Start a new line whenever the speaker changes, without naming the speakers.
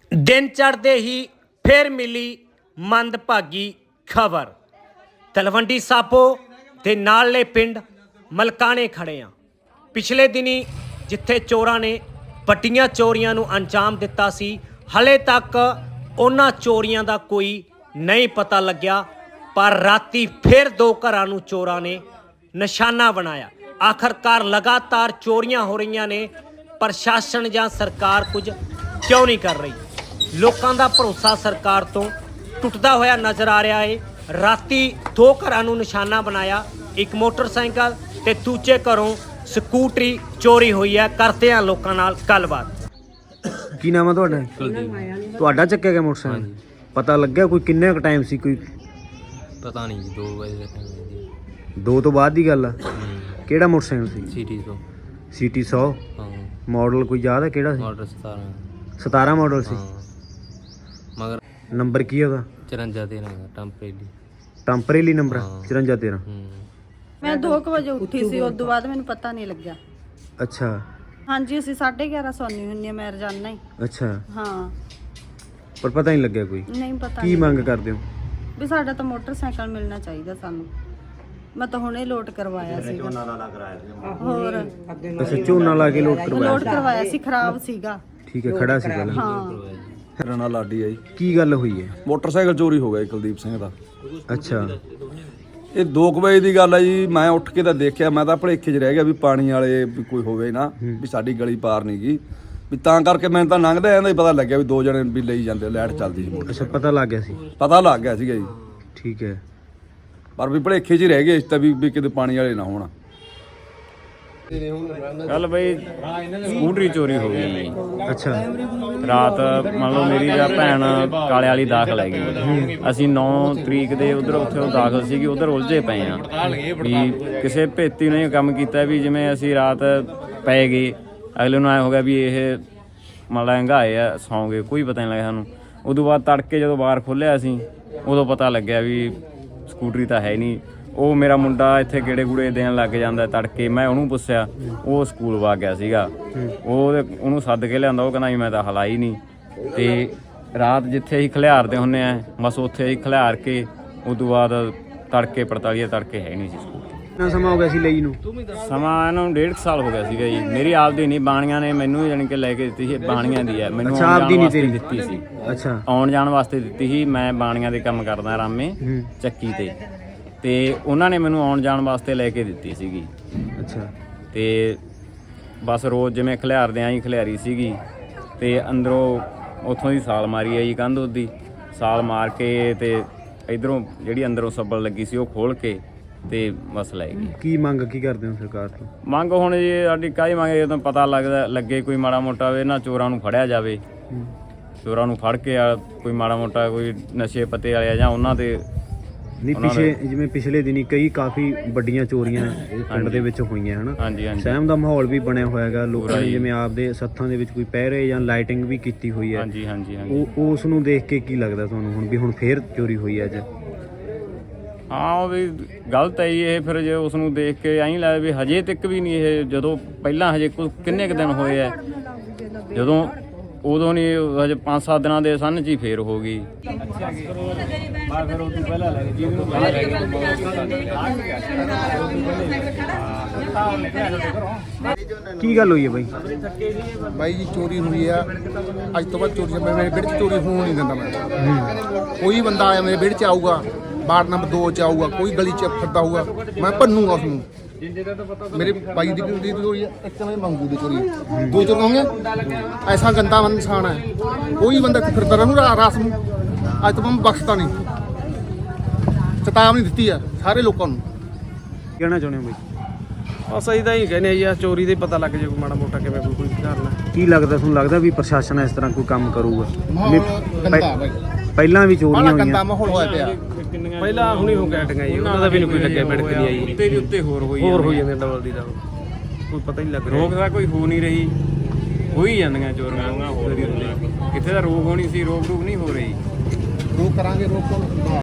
दिन चढ़ते ही फिर मिली मंदभागी खबर। तलवंडी साबो ते नाले पिंड मलकाने खड़े हाँ। पिछले दिनी जिथे चोरां ने वड्डियां चोरियां नूं अंजाम दिता सी, हले तक उन्हां चोरियां दा कोई नहीं पता लग्या, पर राती फिर दो घरां नूं चोरां ने निशाना बनाया। आखिरकार लगातार चोरियां हो रही ने, प्रशासन जां सरकार कुछ क्यों नहीं कर रही? लोगों का भरोसा सरकार तो टुटदा होया नज़र आ रहा है। राती दो घरां नूं निशाना बनाया, एक मोटरसाइकिल ते दूजे घरों ਸਕੂਟਰੀ चोरी हुई है। करते हैं लोगों नाल गलबात।
की नाम है ਤੁਹਾਡਾ ਚੱਕਿਆ ਗਿਆ ਮੋਟਰਸਾਈਕਲ? ਪਤਾ ਲੱਗਿਆ ਕੋਈ ਕਿੰਨੇ ਕ ਟਾਈਮ ਸੀ? ਕੋਈ
ਪਤਾ ਨਹੀਂ ਜੀ, 2 ਵਜੇ ਦਾ ਟਾਈਮ ਹੈ ਜੀ।
2 ਤੋਂ ਬਾਅਦ ਦੀ ਗੱਲ ਆ। ਕਿਹੜਾ ਮੋਟਰਸਾਈਕਲ ਸੀ?
ਸਿਟੀ ਤੋਂ।
ਸਿਟੀ 100
ਹਾਂ।
ਮਾਡਲ ਕੋਈ ਯਾਦ ਹੈ ਕਿਹੜਾ ਸੀ?
ਮਾਡਲ 17
17 ਮਾਡਲ ਸੀ।
ਹਾਂ, ਮਗਰ
ਨੰਬਰ ਕੀ ਉਹਦਾ?
54 13 ਟੈਂਪਰੇਰੀ।
ਟੈਂਪਰੇਰੀ ਨੰਬਰ
ਹਾਂ।
54 13।
मैं 2 ਵਜੇ ਉੱਠੀ ਸੀ, ਉਸ ਤੋਂ ਬਾਅਦ ਮੈਨੂੰ ਪਤਾ ਨਹੀਂ ਲੱਗਿਆ।
ਅੱਛਾ
ਹਾਂਜੀ, ਅਸੀਂ 11:30 ਸੌਂਦੀ ਹੁੰਨੀ ਆ, ਮੈਂ ਰੋਜ਼ਾਨਾ ਹੀ।
ਅੱਛਾ,
ਹਾਂ,
ਪਰ ਪਤਾ ਨਹੀਂ ਲੱਗਿਆ ਕੋਈ।
ਨਹੀਂ ਪਤਾ
ਕੀ
ਨਹੀਂ
ਮੰਗ ਕਰਦੇ ਹੋ?
ਵੀ ਸਾਡਾ ਤਾਂ ਮੋਟਰਸਾਈਕਲ ਮਿਲਣਾ ਚਾਹੀਦਾ ਸਾਨੂੰ। ਮੈਂ ਤਾਂ ਹੁਣੇ ਲੋਡ ਕਰਵਾਇਆ ਸੀਗਾ। ਹੋਰ
ਅੱਛਾ, ਝੋਨਾ ਲਾ ਕੇ ਲੋਡ ਕਰਵਾਇਆ?
ਲੋਡ ਕਰਵਾਇਆ ਸੀ, ਖਰਾਬ ਸੀਗਾ।
ਠੀਕ ਹੈ, ਖੜਾ ਸੀ ਪਹਿਲਾਂ।
ਹਾਂ,
ਮੇਰਾ ਨਾਂ ਲਾਡੀ ਹੈ ਜੀ।
ਕੀ ਗੱਲ ਹੋਈ ਹੈ?
ਮੋਟਰਸਾਈਕਲ ਚੋਰੀ ਹੋ ਗਿਆ ਜੀ ਕੁਲਦੀਪ ਸਿੰਘ ਦਾ।
ਅੱਛਾ,
ਇਹ 2 ਵਜੇ ਦੀ ਗੱਲ ਹੈ ਜੀ। ਮੈਂ ਉੱਠ ਕੇ ਤਾਂ ਦੇਖਿਆ, ਮੈਂ ਤਾਂ ਭਲੇਖੇ 'ਚ ਰਹਿ ਗਿਆ ਵੀ ਪਾਣੀ ਵਾਲੇ ਵੀ ਕੋਈ ਹੋਵੇ ਨਾ, ਵੀ ਸਾਡੀ ਗਲੀ ਪਾਰ ਨਹੀਂ ਗਈ, ਵੀ ਤਾਂ ਕਰਕੇ ਮੈਨੂੰ ਤਾਂ ਲੰਘਦਾ ਜਾਂਦਾ ਹੀ ਪਤਾ ਲੱਗਿਆ ਵੀ 2 ਜਣੇ ਵੀ ਲਈ ਜਾਂਦੇ, ਲਾਈਟ ਚੱਲਦੀ ਸੀ ਮੋਟਰ।
ਅੱਛਾ, ਪਤਾ ਲੱਗ ਗਿਆ ਸੀ।
ਪਤਾ ਲੱਗ ਗਿਆ ਸੀਗਾ ਜੀ,
ਠੀਕ ਹੈ।
ਪਰ ਵੀ ਭਲੇਖੇ 'ਚ ਹੀ ਰਹਿ ਗਏ ਇਸ ਤਾਂ ਵੀ ਕਿਤੇ ਪਾਣੀ ਵਾਲੇ ਨਾ ਹੋਣ।
ਕੱਲ ਬਈ ਸਕੂਟਰੀ ਚੋਰੀ ਹੋ ਗਈ ਮੇਰੀ।
ਅੱਛਾ,
ਰਾਤ ਮੰਨ ਲਓ ਮੇਰੀ ਜਾਂ ਭੈਣ ਕਾਲੇ ਵਾਲੀ ਦਾਖਲ ਹੈਗੀ। ਅਸੀਂ 9 ਤਰੀਕ ਦੇ ਉੱਥੇ ਉਹ ਦਾਖਲ ਸੀਗੀ, ਉਧਰ ਉਲਝੇ ਪਏ ਆ ਵੀ ਕਿਸੇ ਭੇਤੀ ਨੇ ਕੰਮ ਕੀਤਾ ਵੀ ਜਿਵੇਂ ਅਸੀਂ ਰਾਤ ਪੈ ਗਏ, ਅਗਲੇ ਨੂੰ ਐ ਹੋ ਗਿਆ ਵੀ ਇਹ ਮਲੰਗਾ ਆ, ਸੌਂ ਗਏ, ਕੋਈ ਪਤਾ ਨਹੀਂ ਲੱਗਿਆ ਸਾਨੂੰ। ਉਦੋਂ ਬਾਅਦ ਤੜਕੇ ਜਦੋਂ ਬਾਹਰ ਖੋਲ੍ਹਿਆ ਅਸੀਂ, ਉਦੋਂ ਪਤਾ ਲੱਗਿਆ ਵੀ ਸਕੂਟਰੀ ਤਾਂ ਹੈ ਨਹੀਂ। ਉਹ ਮੇਰਾ ਮੁੰਡਾ ਇੱਥੇ ਗੇੜੇ ਗੂੜੇ ਦੇਣ ਲੱਗ ਜਾਂਦਾ ਤੜਕੇ। ਮੈਂ ਉਹਨੂੰ ਪੁੱਛਿਆ, ਉਹ ਸਕੂਲ ਵਗ ਗਿਆ ਸੀਗਾ। ਉਹਨੂੰ ਸੱਦ ਕੇ ਲਿਆਂਦਾ, ਉਹ ਕਹਿੰਦਾ ਵੀ ਮੈਂ ਤਾਂ ਹਲਾਈ ਨਹੀਂ। ਤੇ ਰਾਤ ਜਿੱਥੇ ਅਸੀਂ ਖਿਲਾਰਦੇ ਹੁੰਦੇ ਆ, ਬਸ ਉੱਥੇ ਅਸੀਂ ਖਿਲਾਰ ਕੇ ਉਦੋਂ ਬਾਅਦ ਤੜਕੇ 45 ਤੜਕੇ ਹੈ ਨਹੀਂ ਸੀ ਸਕੂਲ।
ਕਿੰਨਾ ਸਮਾਂ ਹੋ ਗਿਆ ਸੀ ਲਈ ਨੂੰ?
ਸਮਾਂ ਇਹਨੂੰ 1.5 ਸਾਲ ਹੋ ਗਿਆ ਸੀਗਾ ਜੀ। ਮੇਰੀ ਆਪਦੀ ਨਹੀਂ, ਬਾਣੀਆਂ ਨੇ ਮੈਨੂੰ ਜਾਣੀ ਕਿ ਲੈ ਕੇ ਦਿੱਤੀ ਸੀ। ਬਾਣੀਆਂ ਦੀ ਹੈ, ਮੈਨੂੰ
ਅੱਛਾ, ਆਪਦੀ ਨਹੀਂ ਤੇਰੀ
ਦਿੱਤੀ ਸੀ।
ਅੱਛਾ,
ਆਉਣ ਜਾਣ ਵਾਸਤੇ ਦਿੱਤੀ ਸੀ। ਮੈਂ ਬਾਣੀਆਂ ਦੇ ਕੰਮ ਕਰਦਾ ਰਾਮੇ ਚੱਕੀ ਤੇ ਉਹਨਾਂ ਨੇ ਮੈਨੂੰ ਆਉਣ ਜਾਣ ਵਾਸਤੇ ਲੈ ਕੇ ਦਿੱਤੀ ਸੀਗੀ।
ਅੱਛਾ,
ਤੇ ਬਸ ਰੋਜ਼ ਜਿਵੇਂ ਖਿਲਾਰਦੇ ਆਂ ਹੀ ਖਿਲਾਰੀ ਸੀਗੀ। ਤੇ ਅੰਦਰੋਂ ਉੱਥੋਂ ਦੀ ਸਾਲ ਮਾਰੀ ਆ ਜੀ, ਕੰਧ ਉਹਦੀ ਸਾਲ ਮਾਰ ਕੇ ਤੇ ਇਧਰੋਂ ਜਿਹੜੀ ਅੰਦਰੋਂ ਸੱਬਲ ਲੱਗੀ ਸੀ ਉਹ ਖੋਲ ਕੇ ਤੇ ਬਸ ਲੈ ਗਈ।
ਕੀ ਮੰਗ ਕੀ ਕਰਦੇ ਹੋ ਸਰਕਾਰ ਤੋਂ?
ਮੰਗ ਹੁਣ ਜੀ ਸਾਡੀ ਕਾਹਦੀ ਮੰਗ, ਜਦੋਂ ਪਤਾ ਲੱਗੇ ਕੋਈ ਮਾੜਾ ਮੋਟਾ ਇਹਨਾਂ ਚੋਰਾਂ ਨੂੰ ਫੜਿਆ ਜਾਵੇ। ਚੋਰਾਂ ਨੂੰ ਫੜ ਕੇ ਕੋਈ ਮਾੜਾ ਮੋਟਾ ਕੋਈ ਨਸ਼ੇ ਪੱਤੇ ਵਾਲੇ ਜਾਂ ਉਹਨਾਂ ਦੇ
ਨਹੀਂ, ਜਿਵੇਂ ਪਿਛਲੇ ਦਿਨੀ ਕਈ ਕਾਫੀ ਵੱਡੀਆਂ ਚੋਰੀਆਂ ਪਿੰਡ ਦੇ ਵਿੱਚ ਹੋਈਆਂ ਹਨ।
ਹਾਂਜੀ ਹਾਂਜੀ,
ਸਹਿਮ ਦਾ ਮਾਹੌਲ ਵੀ ਬਣਿਆ ਹੋਇਆ ਹੈਗਾ। ਲੋਕਾਂ ਨੇ ਜਿਵੇਂ ਆਪਦੇ ਸੱਥਾਂ ਦੇ ਵਿੱਚ ਕੋਈ ਪਹਿਰੇ ਜਾਂ ਲਾਈਟਿੰਗ ਵੀ ਕੀਤੀ ਹੋਈ ਹੈ।
ਹਾਂਜੀ ਹਾਂਜੀ ਹਾਂਜੀ।
ਉਹ ਉਸ ਨੂੰ ਦੇਖ ਕੇ ਕੀ ਲੱਗਦਾ ਤੁਹਾਨੂੰ ਹੁਣ ਵੀ ਹੁਣ ਫੇਰ ਚੋਰੀ ਹੋਈ ਹੈ ਅੱਜ?
ਹਾਂ, ਉਹ ਵੀ ਗਲਤ ਹੈ ਜੀ ਇਹ। ਫਿਰ ਜੇ ਉਸ ਨੂੰ ਦੇਖ ਕੇ ਐਂ ਲੱਗਦਾ ਵੀ ਹਜੇ ਤੱਕ ਵੀ ਨਹੀਂ ਇਹ, ਜਦੋਂ ਪਹਿਲਾਂ ਹਜੇ ਕਿੰਨੇ ਕੁ ਦਿਨ ਹੋਏ ਆ, ਜਦੋਂ ਉਦੋਂ ਨਹੀਂ, ਹਜੇ 5-7 ਦਿਨਾਂ ਦੇ ਸੰਨ 'ਚ ਹੀ ਫੇਰ ਹੋ ਗਈ।
ਕੀ ਗੱਲ ਹੋਈ ਹੈ ਬਾਈ?
ਬਾਈ ਜੀ ਚੋਰੀ ਹੋਈ ਆ ਅੱਜ ਤੋਂ ਬਾਅਦ। ਚੋਰੀ ਮੇਰੇ ਵਿਹੜੇ 'ਚ ਚੋਰੀ ਹੋਣ ਨਹੀਂ ਦਿੰਦਾ ਮੈਂ। ਕੋਈ ਬੰਦਾ ਆਇਆ ਮੇਰੇ ਵਿਹੜੇ 'ਚ ਆਊਗਾ, ਵਾਰਡ ਨੰਬਰ 2 'ਚ ਆਊਗਾ, ਕੋਈ ਗਲੀ 'ਚ ਫਿਰਦਾ ਹੋਊਗਾ, ਮੈਂ ਭੰਨੂਗਾ ਉਸਨੂੰ। ਮੇਰੇ ਬਾਈ ਦੀ ਚੋਰੀ ਹੋਈ ਆ, ਇੱਕ ਤਾਂ ਮੰਗੂ ਦੀ ਚੋਰੀ, 2 ਚੋਰੀਆਂ ਹੋਈਆਂ। ਐਸਾ ਗੰਦਾ ਇਨਸਾਨ ਹੈ, ਕੋਈ ਬੰਦਾ ਫਿਰਦਾ ਰਹੂ ਰਾਤ ਨੂੰ। ਅੱਜ ਤੋਂ ਮੈਂ ਬਖਸ਼ਦਾ ਨਹੀਂ, ਚੇਤਾਵਨੀ ਦਿੱਤੀ ਆ ਸਾਰੇ ਲੋਕਾਂ ਨੂੰ।
ਕਹਿਣਾ ਚਾਹੁੰਦੇ ਹੋ ਬਾਈ?
ਬਸ ਅਸੀਂ ਤਾਂ ਹੀ ਕਹਿੰਦੇ ਆ ਜੀ, ਚੋਰੀ ਦੇ ਪਤਾ ਲੱਗ ਜੇ ਮਾੜਾ ਮੋਟਾ ਕਿਵੇਂ ਕੋਈ ਕਰਨਾ।
ਕੀ ਲੱਗਦਾ ਤੁਹਾਨੂੰ? ਲੱਗਦਾ ਵੀ ਪ੍ਰਸ਼ਾਸਨ ਇਸ ਤਰ੍ਹਾਂ ਕੋਈ ਕੰਮ ਕਰੂਗਾ?
ਗੰਦਾ ਬਾਈ,
ਪਹਿਲਾਂ ਵੀ ਚੋਰੀਆਂ
ਗੰਦਾ
ਹੋਈਆਂ।
ਮਾਹੌਲ ਹੋਇਆ ਪਿਆ।
ਪਹਿਲਾਂ ਹੁਣੀ ਹੋ ਕੇ ਹਟੀਆਂ ਜੀ, ਉਹਨਾਂ ਦਾ ਵੀ ਨਹੀਂ ਕੋਈ ਲੱਗਿਆ, ਬਿੜਕ ਨਹੀਂ ਆਈ।
ਉੱਤੇ ਦੀ ਉੱਤੇ ਹੋਰ ਹੋਈ
ਜਾਂਦੇ ਡਬਲ ਦੀ ਦਾ ਕੋਈ ਪਤਾ ਹੀ ਲੱਗ ਰਿਹਾ।
ਰੋਕ ਦਾ ਕੋਈ ਹੋ ਨਹੀਂ ਰਹੀ, ਹੋਈ ਜਾਂਦੀਆਂ ਚੋਰੀਆਂ। ਹੋਰ ਕਿੱਥੇ ਦਾ ਰੋਕ ਹੋਣੀ ਸੀ, ਰੋਕ ਨਹੀਂ ਹੋ ਰਹੀ।
ਰੋਕ ਕਰਾਂਗੇ, ਰੋਕ